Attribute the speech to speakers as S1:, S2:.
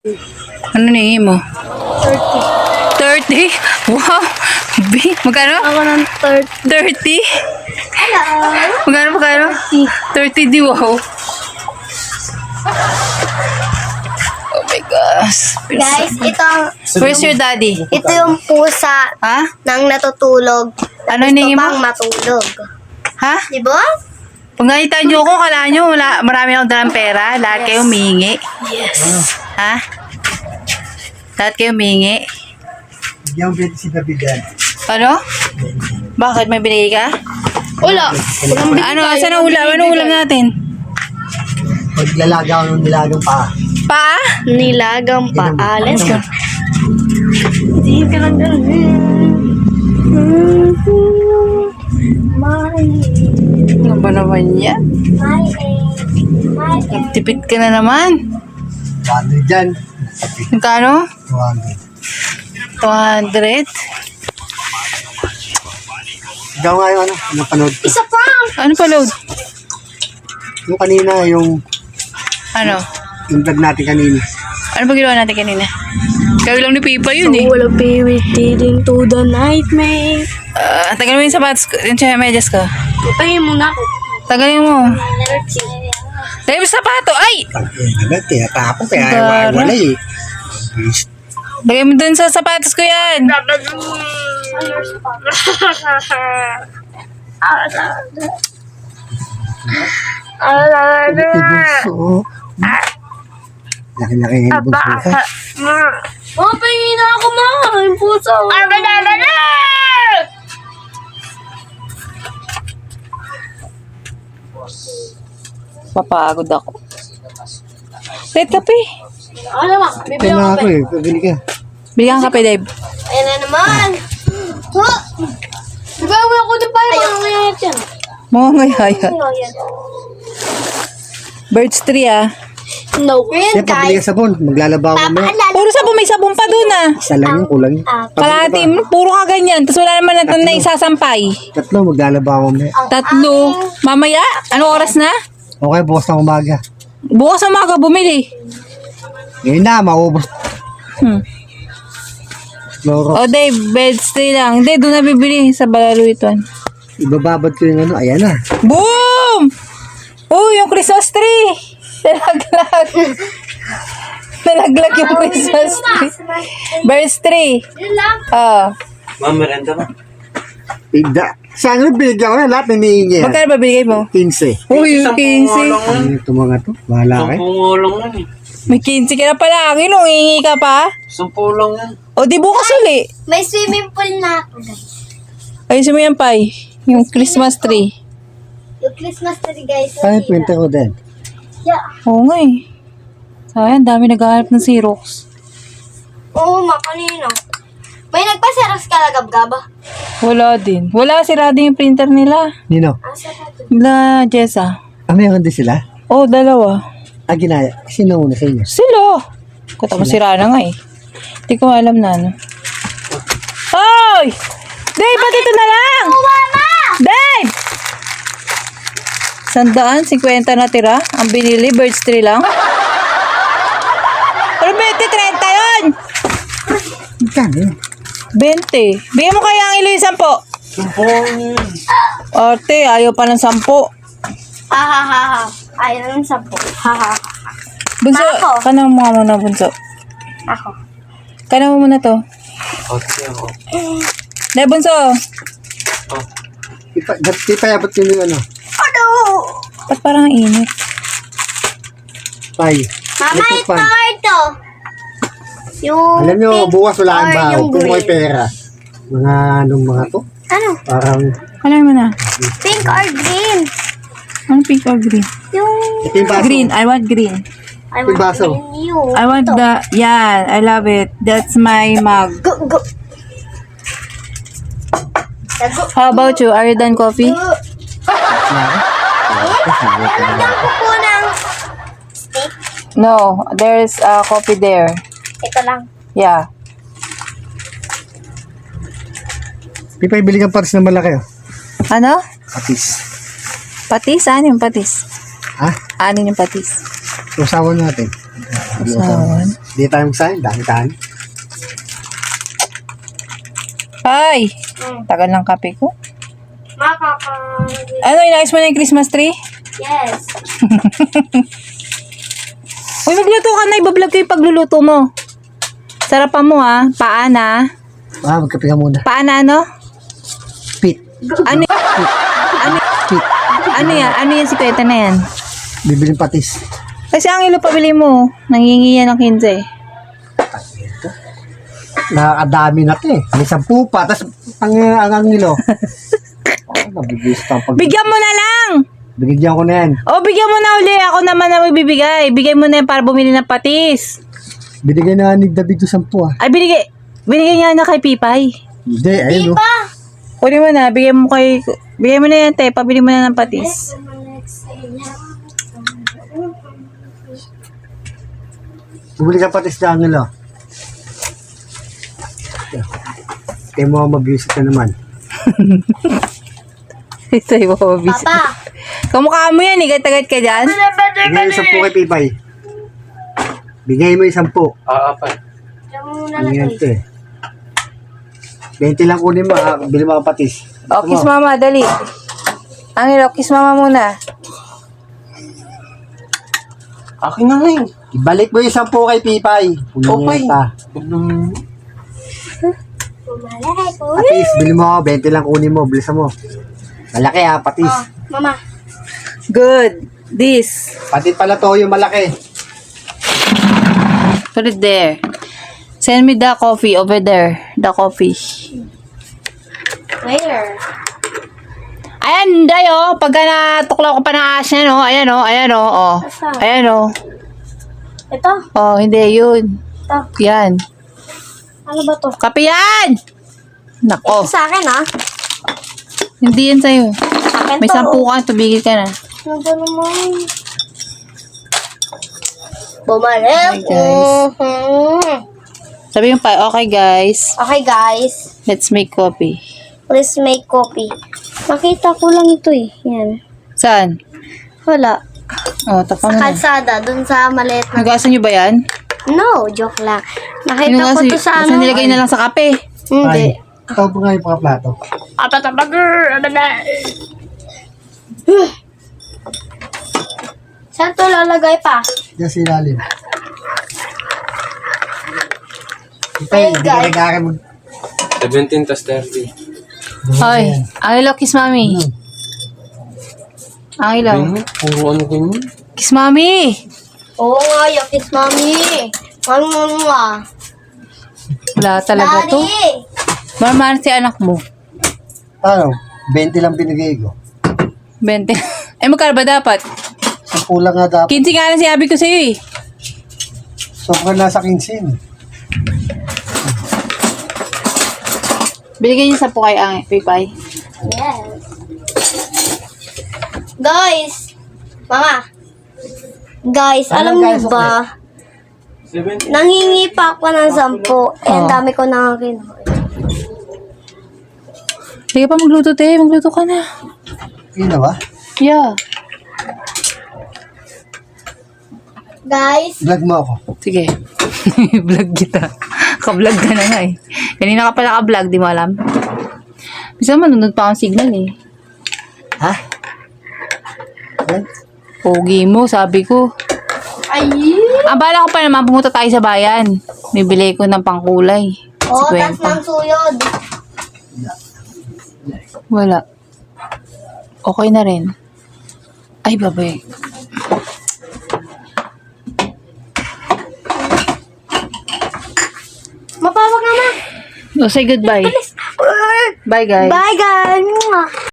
S1: Ano ningi mo?
S2: 30.
S1: 30? Wow! Magkano?
S2: Ako ng
S1: 30?
S2: 30. Hello.
S1: Magkano? 30 di wow. Oh my gosh.
S2: Guys,
S1: Where's your daddy?
S2: ito yung pusa
S1: Ha?
S2: ng natutulog.
S1: Ano
S2: Gusto
S1: hiningi mo?
S2: pang matulog.
S1: Ha?
S2: Di ba?
S1: Kung nakita nyo ako, kala nyo marami akong dalang pera. Lahat kayo humihingi.
S2: Yes.
S1: Ha? Lahat kayo humihingi.
S3: Bigyan mo si Davidan.
S1: Ano? Bakit? May binigay ka?
S2: Wala.
S1: Ano? Saan ang ulam? Anong ulam natin?
S3: Maglalaga ako ng nilagang paa.
S1: Pa?
S2: Nilagang paales. Hindi ka lang ganun.
S1: Ano ba naman yan? Nagtipid ka na naman.
S3: 200 dyan.
S1: Magkano?
S3: 200.
S1: 200?
S3: Ikaw nga yung napanood ko.
S2: Isa pa!
S1: Ano pa load?
S3: Yung kanina, yung
S1: Ano?
S3: vlog natin kanina.
S1: Ano ba ginawa natin kanina? Kaya lang ni Pipa yun eh.
S2: Wala leading to the nightmare.
S1: Tagalin mo yung sapatos ko, yung medyas ko.
S2: Putahin mo na ako.
S1: Tagalin mo. Tagalin mo yung sapato. Ay!
S3: Agad, tinatapon kaya
S1: Gara.
S3: wala eh.
S1: Lagay mo dun sa sapatos ko yan.
S3: Oo. Laki-laki yung bunso ka.
S2: Oh, pahingin na ako mga. Yung puso.
S1: Papagod ako. Wait, kape.
S2: Ano naman?
S3: Kaya na ako eh. Pabili ka.
S1: Bigyan ka kape, Dave.
S2: Ayan na naman. Gawin ako na pala. Ayaw nga yan.
S1: Mga ngayaya. Birds 3 ah.
S2: No.
S3: Kaya pabili ka sabon. Maglalaba ako mamaya.
S1: Puro sabon, may sabon pa dun ah.
S3: Isa lang yung kulang.
S1: Kalahati, puro ka ganyan. Tapos wala naman natin na isasampay.
S3: 3, maglalaba ako mamaya.
S1: 3. Mamaya? Anong oras na?
S3: Okay, bukas na umaga.
S1: Bukas na umaga bumili.
S3: Ngayon na, maubos. Loro.
S1: O Dave, birds 3 lang. Hindi, doon na bibili sa Balaruiton.
S3: Ibababad ko yung ano. Ayan na.
S1: Boom! Oh, yung Christmas tree! Nalaglag. Nalaglag yung Christmas tree. Birds 3.
S2: Yun lang.
S4: Ma'am, merenda ba?
S3: Pigda. Saan yung binigyan ko na lahat nanihingi.
S1: Magkano ba binigay mo?
S3: 15.
S1: Uy, yung 15.
S3: Ano ito mga to? Bahala kayo.
S4: 10 nga lang yan eh.
S1: May 15 ka na pala. Nung hihingi ka pa?
S4: 10 lang yan.
S1: O di bukas uli.
S2: May swimming pool na ako, guys.
S1: Ayusin mo yan, Pai. Yung Christmas tree.
S2: Yung Christmas tree, guys.
S3: Ano yung printer ko din?
S2: Yeah.
S1: Oo nga eh. Sayang, dami naghahanap ng Xerox.
S2: Oo, makanino. May nagpa-xerox ka na gab-gaba?
S1: Wala din. Wala, sirado yung printer nila.
S3: Nino?
S2: Asa na to?
S1: Nila, Jessa.
S3: Meron din sila?
S1: Oh, dalawa.
S3: Ginaya. Sino una sa inyo?
S1: Sila. Kata mo sira na nga eh. Hindi ko alam na ano. Hoy! Dave, ba't ito na lang?
S2: Mama!
S1: Dave! 150 na tira. Ang binili, birds 3 lang. Pero 20, 30 yun!
S3: Magkano yun?
S1: 20. Bigyan mo kaya ang ilo yung 10.
S4: 10
S1: Arte, ayaw pa ng 10.
S2: Ha ha ha ha. Ayaw ng 10. Ha ha ha.
S1: Bunso,
S2: Ako.
S1: kanang mo muna, Bunso.
S2: Ako.
S1: Kanang mo muna to.
S4: Okay ako.
S1: Dahil, Bunso.
S3: Ipayabot yun yung ano.
S2: Ano?
S1: Ba't parang init?
S3: Pay.
S2: Mama,
S3: Electric
S2: ito,
S3: fan.
S2: ito. Yung
S3: Alam nyo,
S2: pink
S3: bukas wala
S2: or
S3: ang baho.
S2: yung
S3: Kung may
S2: green?
S3: pera. Mga anong mga to.
S2: Ano?
S3: Parang,
S1: Alam mo na.
S2: Pink or green?
S1: Ano pink or green?
S2: Yung...
S3: ito yung baso.
S1: Green. I want green.
S2: I
S3: Yung baso.
S2: green you.
S1: I want the... Yeah, I love it. That's my mug.
S2: Go, go. Go.
S1: How about you? Are you done coffee?
S2: Nalagyan ko po ng steak.
S1: No, there's coffee there.
S2: Ito lang.
S1: Yeah.
S3: Pipay, bili kang patis na malaki. Oh.
S1: Ano?
S3: Patis.
S1: Patis? Ano yung patis?
S3: Ha?
S1: Ano yung patis?
S3: Usawan natin.
S1: Usawan?
S3: Di tayo magsahin, dami-dami.
S1: Ay, tagal ng kape ko.
S2: Makaka...
S1: Ano, inayos mo na yung Christmas tree?
S2: Yes.
S1: Uy, magluto ka na. Ibablog ko yung pagluluto mo. Sarapan mo ha. Paana.
S3: Magkape ka muna.
S1: Paana ano?
S3: Pit.
S1: Ano Ano yan? Ano yan si Kweta na yan?
S3: Bibiling patis.
S1: Kasi ang ilo pabili mo. Nangingi yan ng 15.
S3: Nakakadami na to eh. May 10 pa, tapos ang ngilo. Nabibis pa pag...
S1: Bigyan mo na lang!
S3: Binigyan ko na yan.
S1: O, bigyan mo na uli. Ako naman na magbibigay. Bigay mo na yan para bumili ng patis.
S3: Binigyan na ni David yung 10 ah.
S1: Ay, binigay nga na kay Pipay.
S3: Hindi, ayun o.
S1: Kunin mo na. Bigay mo na yan, te. Pabili mo na ng patis.
S3: Bumili ka patis na ngilo. Kaya mo mag-visit na naman.
S1: Ito yung mababisi.
S2: Papa.
S1: Kamukha mo yan, igat-agat ka dyan.
S3: Bigay yung 10 kay Pipay. Bigay mo yung 10.
S4: Apat.
S3: Ang yan ito eh. 20 lang kunin mo ha. Bili mo ka patis.
S1: O, kiss mama, dali. Angelo, kiss mama muna.
S4: Akin na nga eh.
S3: Ibalik mo yung 10 kay Pipay.
S4: Okay.
S3: Patis, bili mo. 20 lang kunin mo. Bilisan mo. Malaki ha, patis.
S2: Mama.
S1: Good. This.
S3: Patit pala to yung malaki.
S1: Put it there. Send me the coffee over there. The coffee.
S2: Where?
S1: Ayan, dayo. Pagka natuklaw ko pa ng aas niya, no? Ayan, no? Ayan, no? Oh.
S2: Asa?
S1: Ayan, no?
S2: Ito?
S1: Oh, hindi. Yun.
S2: Ito.
S1: Yan.
S2: Ano ba to?
S1: Kape yan! Nako.
S2: Ito sa akin ah.
S1: Hindi yan sa'yo.
S2: Sa akin
S1: May
S2: to.
S1: 10 ka. Tubigil ka na.
S2: Ano ba naman? Bumalik.
S1: Hi, guys. Sabi yung pa, okay guys.
S2: Okay guys.
S1: Let's make coffee.
S2: Let's make coffee. Nakita ko lang ito eh. Yan.
S1: Saan?
S2: Wala.
S1: Oh, taka mo na.
S2: Kalsada. Dun sa maliit na...
S1: Nagasan nyo ba yan?
S2: No, joke lang. Nakita ko to sa
S1: Basta
S2: ano.
S1: nilagay na lang sa kape.
S2: Hindi.
S3: Ito po nga yung mga plato.
S2: Saan to lalagay pa?
S3: Diyan sa ilalim.
S2: Hey,
S3: Pipay, hindi ka
S2: guys.
S3: nag-aaral mag...
S4: 17 tas 30.
S1: Hoy, Angelo, kiss mami. Angelo,
S4: Ayun, puro ano ganyan.
S1: kiss mami.
S2: Oo nga, yakis mami. Mama.
S1: Wala talaga to.
S2: Daddy.
S1: Marman si anak mo.
S3: Ano? 20 lang binigay ko.
S1: 20. Eh, magkano ba dapat?
S3: 10 lang nga dapat.
S1: 15 nga na sinabi ko sa'yo eh.
S3: Sobrang nasa 15.
S1: Binigyan niyo sa po kay Pipay.
S2: Yes. Guys. Mama. Guys, alam
S3: Ano, guys,
S2: niyo ba?
S4: 17.
S2: Nangingi pa ako ng 10. Eh, ang dami ko na kinuha.
S1: Sige pa magluto, te. Magluto ka na.
S3: Yun na ba?
S1: Yeah.
S2: Guys.
S3: Vlog mo ako.
S1: Sige. Vlog kita. Ka-vlog ka na nga eh. Kanina ka pala ka-vlog, di mo alam. Bisa manunod pa akong signal eh.
S3: Ha? Yan?
S1: Pogi mo, sabi ko.
S2: Ay.
S1: Bala ko pa naman, pumunta tayo sa bayan. Bibili ko ng pangkulay.
S2: Oh, tas
S1: 50.
S2: ng suyod.
S1: Wala. Okay na rin. Ay, babay.
S2: Mapawag naman.
S1: Oh, say goodbye. Bye, guys.
S2: Bye, guys.